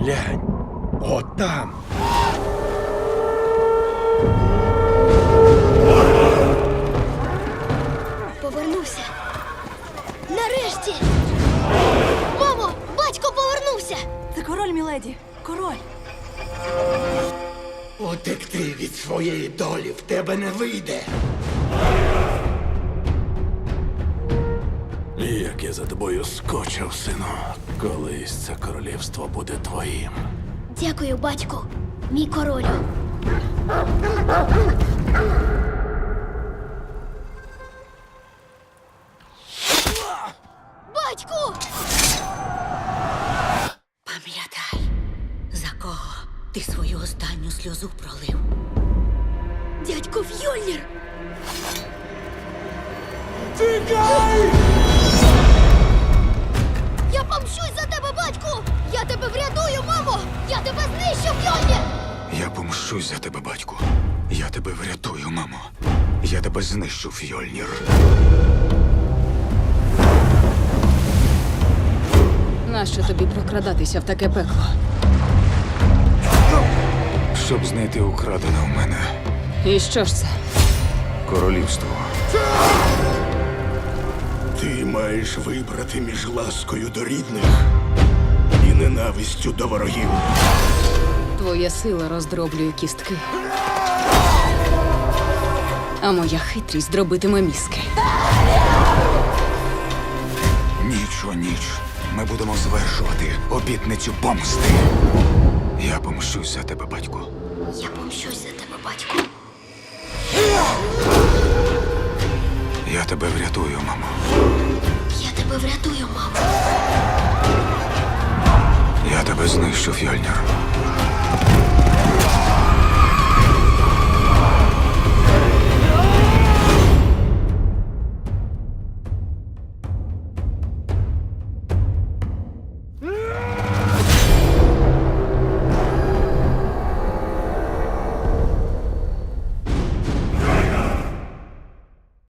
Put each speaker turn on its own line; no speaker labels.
Глянь, от там.
Повернувся. Нарешті! Мамо, батько повернувся!
Це король, міледі. Король.
Утекти від своєї долі в тебе не вийде.
Як я за тобою скочив, сину. Колись це королівство буде твоїм.
Дякую, батьку. Мій королю. Батьку!
Пам'ятай, за кого ти свою останню сльозу пролив.
Дядько Фьольнір!
Тікай!
Я помщусь за тебе, батьку! Я тебе врятую, мамо! Я тебе знищу, Фьольнір!
Я помщусь за тебе, батьку. Я тебе врятую, мамо. Я тебе знищу, Фьольнір.
Нащо тобі прокрадатися в таке пекло?
Щоб знайти украдене у мене
І що ж це?
королівство.
Ти маєш вибрати між ласкою до рідних і ненавистю до ворогів.
Твоя сила роздроблює кістки. А моя хитрість дробитиме мізки.
Ніч у ніч ми будемо звершувати обітницю помсти. Я помщусь за тебе, батьку.
Я помщусь за тебе, батьку.
Я тебе врятую, мамо.
Я тебе врятую, мамо.
Я тебе знищу, Фьольнір.